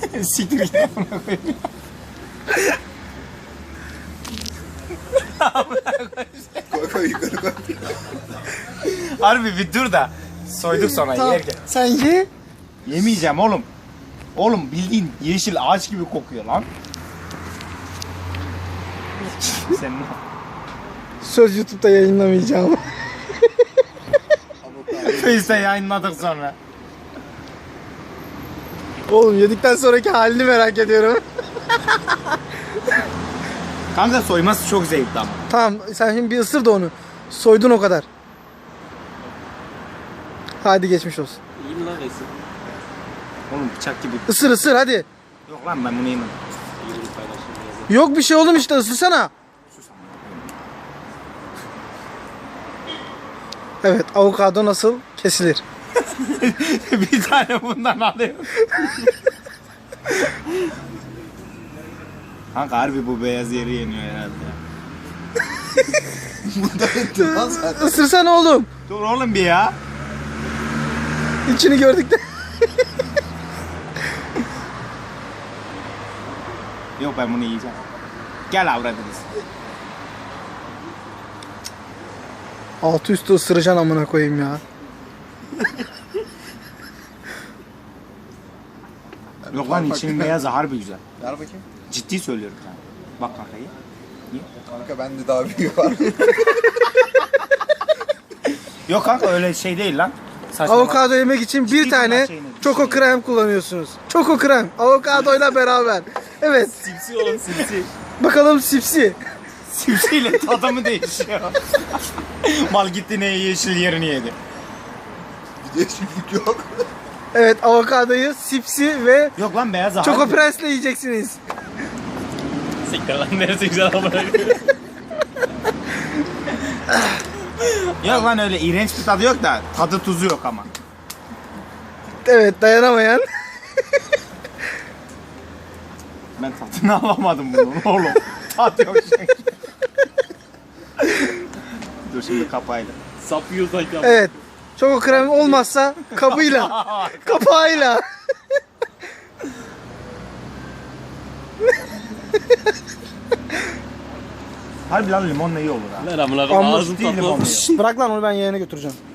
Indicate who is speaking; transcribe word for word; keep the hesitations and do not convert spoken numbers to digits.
Speaker 1: Siktir git amına koyayım.
Speaker 2: Koy koy yukarı koy.
Speaker 1: Harbi bir dur da soyduk sonra
Speaker 3: Tamam.
Speaker 1: yerken.
Speaker 3: Sen ye.
Speaker 1: Yemeyeceğim oğlum. Oğlum bildiğin yeşil ağaç gibi kokuyor lan. Sen ne?
Speaker 3: Söz YouTube'da yayınlamayacağım.
Speaker 1: Face'te yayınladık sonra.
Speaker 3: Oğlum yedikten sonraki halini merak ediyorum.
Speaker 1: Kanka soyması çok zevkli ama.
Speaker 3: Tamam sen şimdi bir ısır da onu. Soydun o kadar. Hadi geçmiş olsun.
Speaker 4: İyi mi lan resim?
Speaker 1: Oğlum bıçak gibi.
Speaker 3: Isır ısır hadi.
Speaker 1: Yok lan ben bunu yemem.
Speaker 4: İyi bir paylaşım yazın.
Speaker 3: Yok bir şey oğlum işte ısırsana. Evet avokado nasıl kesilir?
Speaker 1: Bir tane bundan alıyorum. Kanka harbi bu beyaz yeri yeniyor herhalde.
Speaker 2: Burada ettim lan sen.
Speaker 3: Isırsana oğlum.
Speaker 1: Dur oğlum bir ya.
Speaker 3: İçini gördük de.
Speaker 1: Yok ben bunu yiyeceğim. Gel avradınız.
Speaker 3: Altı üstü ısıracaksın amına koyayım ya.
Speaker 1: Yok lan içinin beyazı harbi güzel.
Speaker 2: Ver bakayım.
Speaker 1: Ciddi söylüyorum yani. Bak kanka ye. Ye.
Speaker 2: Kanka bende daha büyük var.
Speaker 1: Yok kanka öyle şey değil lan. Saçma
Speaker 3: Avokado yemek için bir
Speaker 1: Ciddi
Speaker 3: tane
Speaker 1: bunlar şeyini
Speaker 3: çoko
Speaker 1: düşünüyor.
Speaker 3: krem kullanıyorsunuz. Çoko krem avokadoyla beraber. Evet
Speaker 4: Simsi oğlum simsi.
Speaker 3: bakalım sipsi.
Speaker 1: Simsiyle tadı mı değişiyor? Mal gitti ne yeşil yerini yedi.
Speaker 2: Bir değişiklik yok.
Speaker 3: Evet avokadoyu sipsi ve
Speaker 1: Yok lan beyaz harbi.
Speaker 3: çoko prensle yiyeceksiniz.
Speaker 4: Siktir lan neresi güzel amına koyayım.
Speaker 1: Yok lan öyle iğrenç bir tadı yok da tadı tuzu yok ama.
Speaker 3: Evet dayanamayan.
Speaker 1: Ben tadını alamadım bunun oğlum. Tat yok çünkü. Dur şimdi kapayla.
Speaker 4: Sap yiyor sanki ama.
Speaker 3: Evet. Çoko krem olmazsa kabıyla, kapağıyla.
Speaker 1: Harbi lan limonla iyi olur ha.
Speaker 4: Ver amına koyayım
Speaker 3: Amma
Speaker 4: ağzım
Speaker 1: değil
Speaker 4: tatlı
Speaker 1: limon.
Speaker 4: olmuyor.
Speaker 3: Şşt, bırak lan onu ben yeğene götüreceğim.